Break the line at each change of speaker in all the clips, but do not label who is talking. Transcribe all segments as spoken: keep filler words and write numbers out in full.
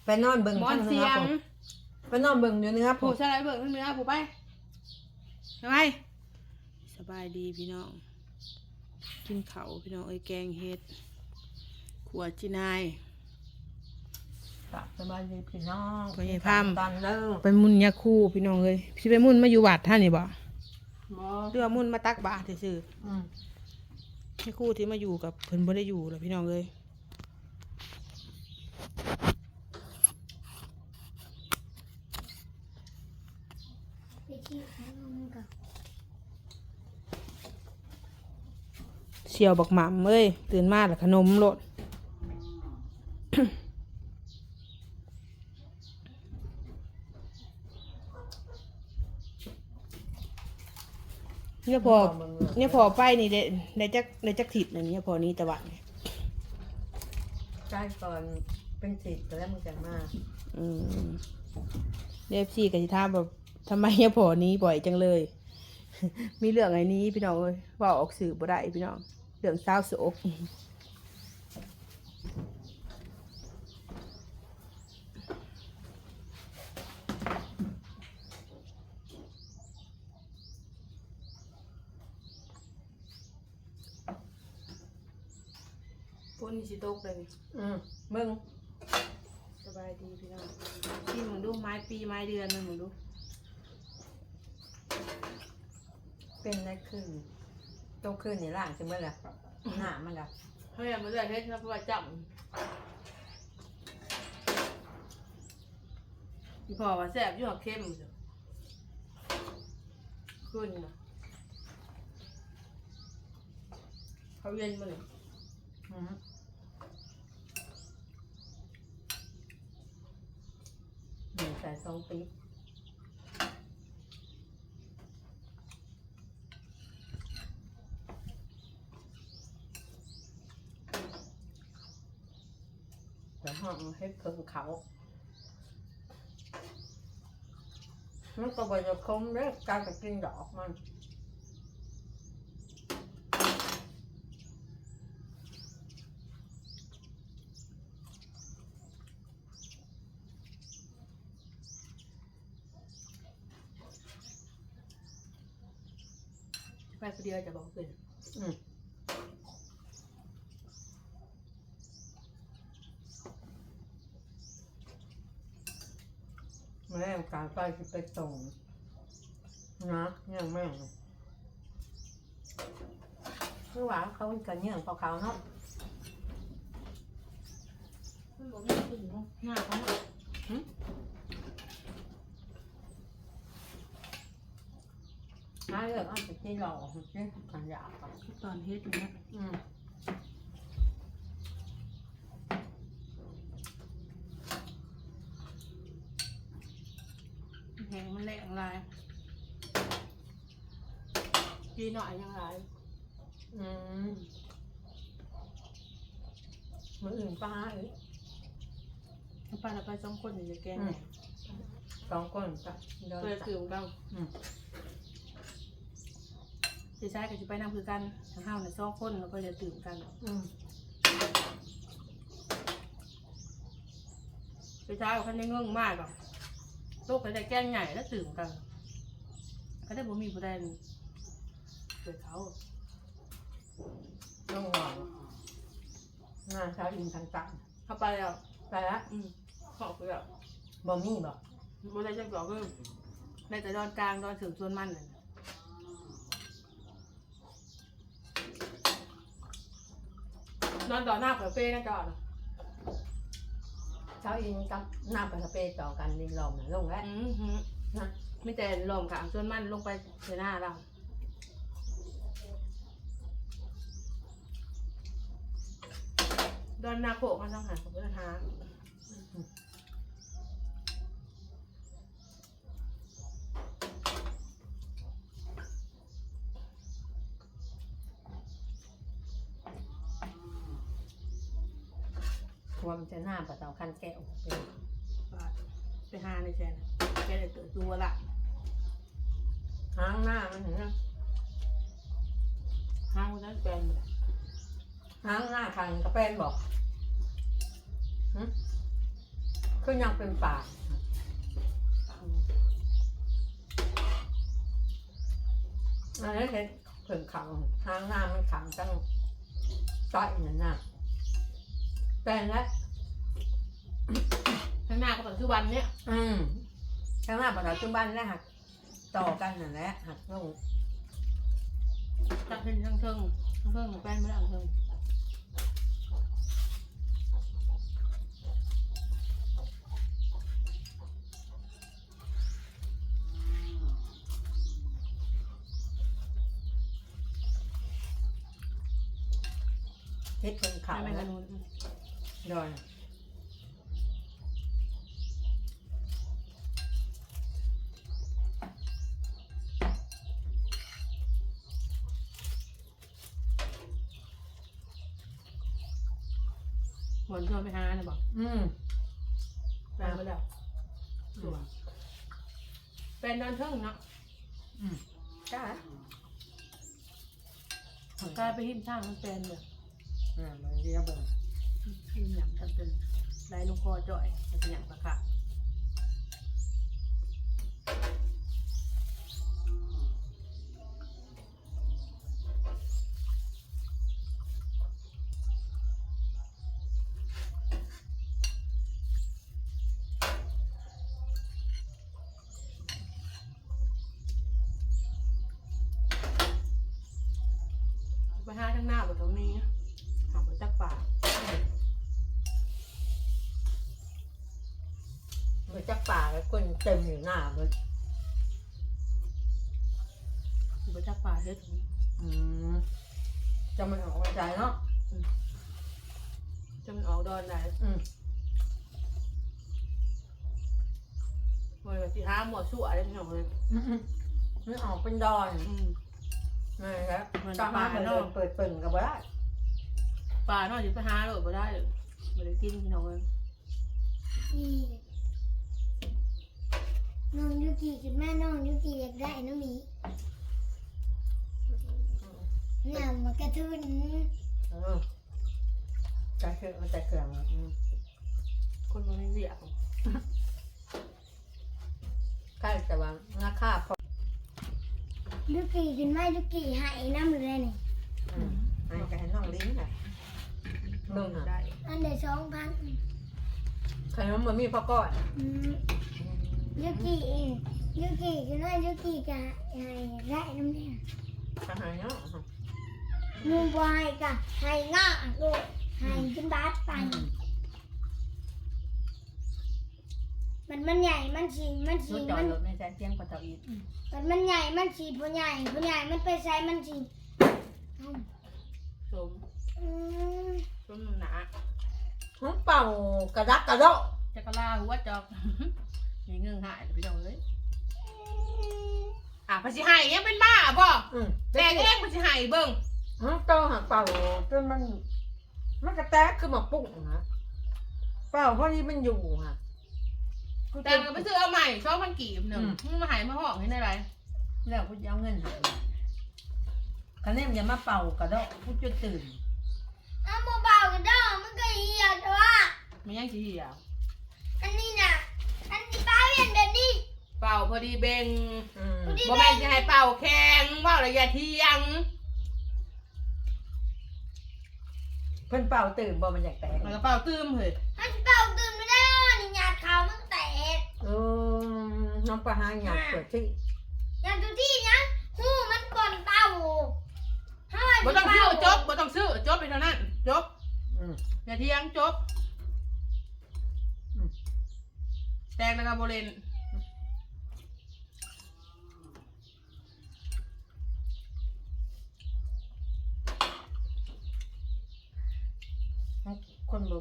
ไปนอนเบิ่ง
หมอนเสียง
ไปนอนเบิ่งอยู่เนื้อ
ผู้ชายเบิ่งเนื้อผู้ไปทำไมสบายดีพี่น้องกินเขาพี่น้องเอ้ยแกงเห็ดขวดจีนาย
สบายดีพี่น้อง
ไปพาม
ตันเด้อ
ไปมุ่นยาคู่พี่น้องเลยพี่ไปมุ่นมาอยู่วัดท่านนี่บ่เรือมุ่นมาตักบาตรซื่อๆยาคู่ที่มาอยู่กับเพิ่นบ่ได้อยู่แล้วพี่น้องเลยเสี่ยวบักหม่ำเอ้ยตื่นมาแล้วขนมโลดเนี่ยพอเนี่ยพอไปนี่ได้ได้จักได้จักถิดอะไรเนี่ยพอนี้ตะวันเนี่ย
ใช่ก่อนเป็นสิทธิ์แล้วมึงจะมา
อืมเดฟซีกับทิท่าแบบทำไมเนี่ยพอนี้บ่อยจังเลย มีเรื่องไอ้นี้พี่น้องเอ้ยว่าออกสื่อบ่ได้พี่น้องเรื่องเศร้าโศกฝนสิตกเลย
อืมมึง
สบายดีพี่น้องที่มึงดูไม้ปีไม้เดือนมึงดู
เป็นได้คืนโตคืนนี่ล่างจะเมื่อไรหน้ามันละ
เฮ้ยมันเลยเฮ็ดนะเพราะว่าจับพี่พ่อว่าแซ่บอยู่หักเข้มจ้ะขึ้นนะเขาเย็นมาเลย
หนึ่งใส่สองปีห้องให้เพิ่งเขามันก็บ่จะคมเด้อการจะกินดอกมัน
ไปคนเดียวจะบอกเป็น
อืมแม่การไปจะไปส่งนะยังแม่คือว่าเขากันเนี่ยเขาเขาเนาะ
มันบอกไม่ถึงหน้าเขาเนาะ
น้าเรื่องอาจจะที่หล่อที่ขันยาค่ะ
ตอนเฮ็ดอยู่นะ
อืม
แหงมันแรงลายดีหน่อยยังไง
อืมมืออื่นป้าเอ้ย
ป้าเราไปสองคนอยู่ในแกง
สองคนจ้ะ
เพื่อคือเราจะใช้กับจะไปนั่งคือกันทั้งห้าวในสองคนแล้วก็จะตื่นกันไปใช้กับคันได้เงื่องมากหรอกโลกก็ได้แกงใหญ่แล้วตื่นกันก็ได้บ่มีผู้ใดเกิดเขา
ต้องหวังงานเช้าอินทางต่าง
เข้าไปแล้ว
ไปละ
อืมขอบไปแล้ว
บ่มีบ่
บ่ได้จังหวะก็ได้แต่ดอนกลางดอนถึงส่วนมันเลยนอนต่อหน้าเผยเป้นะก่อน
เช้าอินกับหน้าปลาสเปต่อกันดินลมนะลงแล้ว
นะไม่แต่ลมขางส่วนมันลงไปในหน้าเราดอนนาโขกมันต้องหาของพุทธทาส
ความจะหน้าปลาเต่าคันแก้ว
ไปหาในแจนแกเลยตัวตัวละ
หางหน้ามันเห็นไหม
หางมันนั้นเป็น
หางหน้าคันกระเป็นบอกก็ยังเป็นป่าอันนี้เห็นเพิ่งขังทางหน้ามันขังตั้งต้อยนั่นน่ะแปลงแล้ว
ข้างหน้าก็ปัจจุบันเนี่ย
อืมทางหน้าปัจจุบันแล้วหักต่อกันนั่นแหละหักลง
ตักเป็นทั้งเทิงทั้งเทิงของแป้งไม่ได้ทั้งเทิง
เฮ็ดเป็นเขา
ไม่
แล้
ไม่
ว
กันนู้น
ดอย
หมอนชวนไปหาเนี่ยบอก
อืม
แป้งไปแล้วสวยแป้งนอนเทิงเนาะ
อืมจ้าก
ลายไปหิ้มช่างมันเป็นเลย
อ่ามันเรียบเลย
หิ้มหยำกันเป็นไรลูกคอจ่อยมันเป็นหยำปะค่ะไปหาทั้งหน้าแบบตรงนี้ถามไปจักป่า
มันจักป่าแล้วคนเต็มอยู่หน้ามัน
ไปจักป่าเฮ็ด
อืมจะมันออกมาใจเนาะ
จะมันออกดอนได้
อืม
มันแบบสิหาหมวดสั่วอะไรไม่รู้เลย
อืมอืมมันออกเป็นดอน
อืม
นี่ครับ
มัน
ตามา
ปลา
เปิด
เนาะ
เปิดเปิ่งกับว่าได้
ป่าเนาะจะไปหาเลยบ่ได้เลยบ่ได้กินพี่น้องเลย
นี่น้องยูกิกับแม่น้องยูกิอยากได้น้องหมีเนี่ยมากระทุน
อืมใจเขื่อนมันใจเขื่อนอืม
คนมันไม่เรียก
ใกล้แต่ว่าราคาพอ
ยูกิขึ้นมายูกิหายน้ำเลยนี่
อืมอันนี้ก็ให้น้องลิ้นค่ะเบิ่ง
ได้
อ่ะ
อันเดียวสองพัน
ขนมมันมีพ่อก้อน
ยูกิยูกิขึ้นมายูกิกะหายได้น้ำเนี่ย
อาหารเนาะ
มูบอยกะหายง่าลูกหายขึ้นบาสไป
อืม
มันมันใหญ่มันสีมัน
ร
สี
ถจอ
มั
ด
น
รถในใจเตียงกว่าเต่าอีก
มันมันใหญ่มันสีผู้ใหญ่ผู้ใหญ่มันไปใส่มันสี
สม
อืม
สมหนา
ห้องเป่ากระดักกระโดด
จักรลาหัวจอก มีเงื่อนหายพี่น้องเลยอ่ะภาษีหายยังเป็นบ้าบ่
อืม
แต่ก็ยังภาษีหายเบิ่ง
ห้องโตหักเป่าจนมัน มันกระแตกขึ้นมาปุ๊บนะเป่าเพราะนี่มันอยู่ค่ะ
แต่ก็ไปซื้อเอาใหม่ชอบมันกี่หนึ่งมึงมาหายมาห้องให้ได้ไร
แล้วกูจะเอาเงินหายคะแนนอย่ามาเป่ากระโดดกูจะตื่น
เอามาเบากันเด้อมันก็เหี่ยวแต่ว่า
มันยังสีเหี่ยว
อันนี้น่ะอันนี้ป้าเห็นแบบนี้
เป่าพอดีเบง
อืม
บ่แม่นจะให้เป่าแข็งว่าระยะเที่ยง
เพิ่นเป่าตื่นบ่มันอยากแตก
มันก็เป่าตื้มเฮ้ย
มันเป่าตื่นไม่ได้อ่ะนี่หยาดขาวมันแตก
เออน้องประหารอยากเปิดที่
หยาดตัวที่นะหูมันก่อนเป่าถ้าว่า
บ่
สิ
ต้องซื้อ
เป่า
จบบ่ต้องซื้อจบไปเท่านั้นจบ
อืม
อย่าเที่ยงจบแตงแล้วก็โบเลน
คนบ่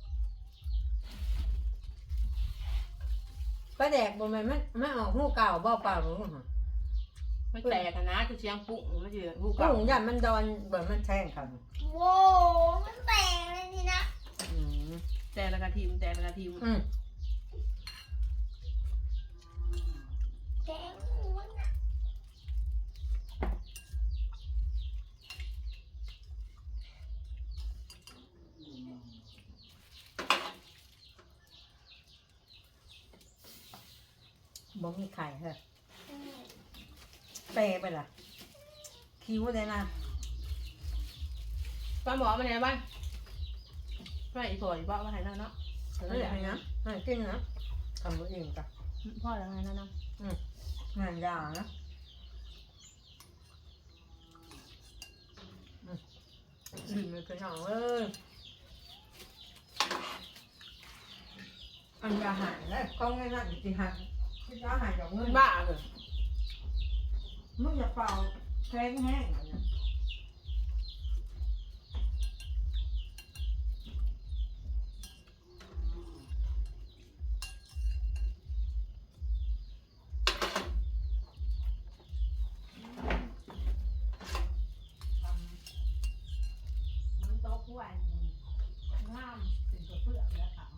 ป้าแดกบ่แม่นมันมันออกหูเก่าบ่เป่าหรือฮะ
ไม่แตกอะนะคือเสียงปุ้งไม่ใช่หู
กุ้
เก่าง
ยันมันดอนบ่มันแทงเขา
โว้มันแตกเลยนี่นะ
อืม
แตกแล้วก็ทีมแตกแล้วก็ทีม
อืม
แตกหูมันน่ะ
อบ่มีไข่เหรอ
เออ
เปย์ไปล่ะคิ้วเลยนะ
ป้าหมอมาไหนบ้านไม่อีพออีพ่อมาไหนแล้วเนาะ
เฮ้ยให้นะให้กินนะทำตัวเองจ้ะ
พ่อแล้วไงนั่นนะ
งานยานะดื่มเลยพี่น้องเอ้ยอันยาหายแล้วก็ง่ายๆจริงๆหายยาหายจากเงิ
มัน นบ้าเลย
มึงอย่าเป่าแข้งแห้งอย่างเงี้ยมันโต๊ะกล้วยงามเป็นตัวเปลือกแล้วค่ะ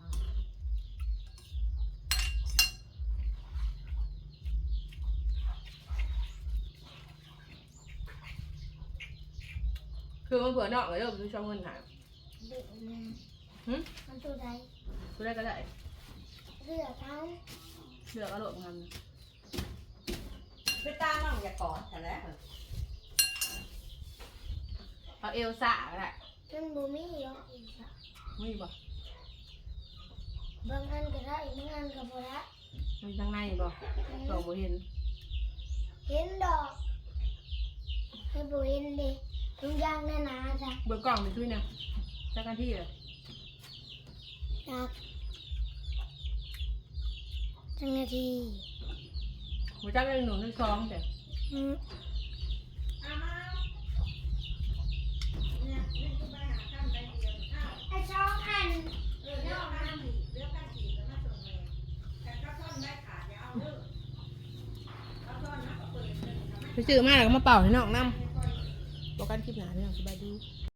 คือมันเผื่อนอกเลยเด้อดูช่องเงินหาย
เด็กนะ
หึ
มันตัวใด
กูได้ก็ได้
เลือกเขา
เลือกเอาโหลดมัน
ไปตาน้องอย่ากอดแต่แล้ว
เอาเอลซ่าก็ได้
มันบูมี่หรอกอีกอะ
ไม่บ่
บางอันก็ได้บางอันก็บ่ได้
มันข้างในบ่สองบ่เห็น
เห็นดอกให้บูเห็นดิทุกอย่างแน่นาจ้ะ
เบอร์กล่องไปช่วยนะจักกันที่เลย
จากจังนาที
หัวจักเป็นหนูทั้งสองแต่
อืม
อามาเนี่ยนี่คือไปหาข้ามไปเดียวอ้าว
ไอ้สองอัน
เออเดี๋ยวเอาข้ามอีกเดี๋ยวข้ามอีกแล้วมาส่งเลยแต่ก็ต้นได้ขาดอย่าเอาเด้อเอาต้นนะก็เปิดเลยทำไม
ไปซื้อมาแล้วก็มาเป่าให้น้องน้ำบอกกันคลิปหนาพี่น้องสบายดี
เ